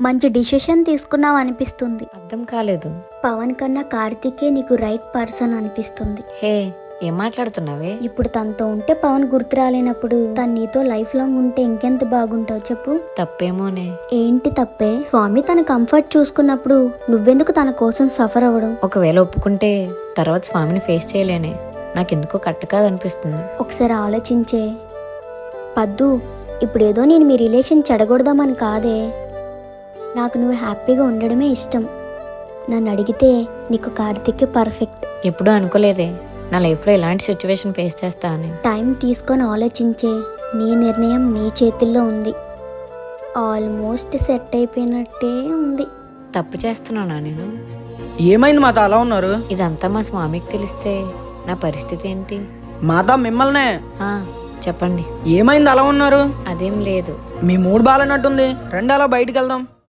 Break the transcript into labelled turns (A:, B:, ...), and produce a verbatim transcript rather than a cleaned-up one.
A: మంచి డిసిషన్ తీసుకున్నావు అనిపిస్తుంది.
B: అర్థం కాలేదు.
A: పవన్ కన్నా కార్తీకే నీకు రైట్ పర్సన్ అనిపిస్తుంది.
B: హే, ఏం మాట్లాడుతున్నావే?
A: ఇప్పుడు తనతో ఉంటే పవన్ గుర్తు రాలేనప్పుడు తను నీతో లైఫ్ లాంగ్ ఉంటే ఇంకెంత బాగుంటావు చెప్పు.
B: తప్పేమోనే.
A: ఏంటి తప్పే? స్వామి తన కంఫర్ట్ చూసుకున్నప్పుడు నువ్వెందుకు తన కోసం సఫర్ అవ్వడం?
B: ఒకవేళ ఒప్పుకుంటే తర్వాత స్వామిని ఫేస్ చేయలేనే. నాకెందుకో కట్ట కాదనిపిస్తుంది.
A: ఒకసారి ఆలోచించే పద్దు. ఇప్పుడేదో నేను మీ రిలేషన్ చెడగొడదామని కాదే, నాకు నువ్వు హ్యాపీగా ఉండడమే ఇష్టం. నన్ను అడిగితే నీకు కార్తీక్ పర్ఫెక్ట్.
B: ఎప్పుడూ అనుకోలేదే నా లైఫ్లో ఇలాంటి సిచ్యువేషన్ ఫేస్ చేస్తా అని.
A: టైం తీసుకొని ఆలోచించే, నీ నిర్ణయం నీ చేతుల్లో ఉంది. ఆల్మోస్ట్ సెట్ అయిపోయినట్టే ఉంది.
B: తప్పు చేస్తున్నానా నేను?
C: ఏమైంది మాత అలా ఉన్నారు?
B: ఇదంతా మా స్వామికి తెలిస్తే నా పరిస్థితి ఏంటి?
C: మాత మిమ్మల్నే.
B: ఆ, చెప్పండి.
C: ఏమైంది అలా ఉన్నారు?
B: అదేం లేదు.
C: మీ మూడు బాలన్నట్టుంది, రండి అలా బయటికి వెళ్దాం.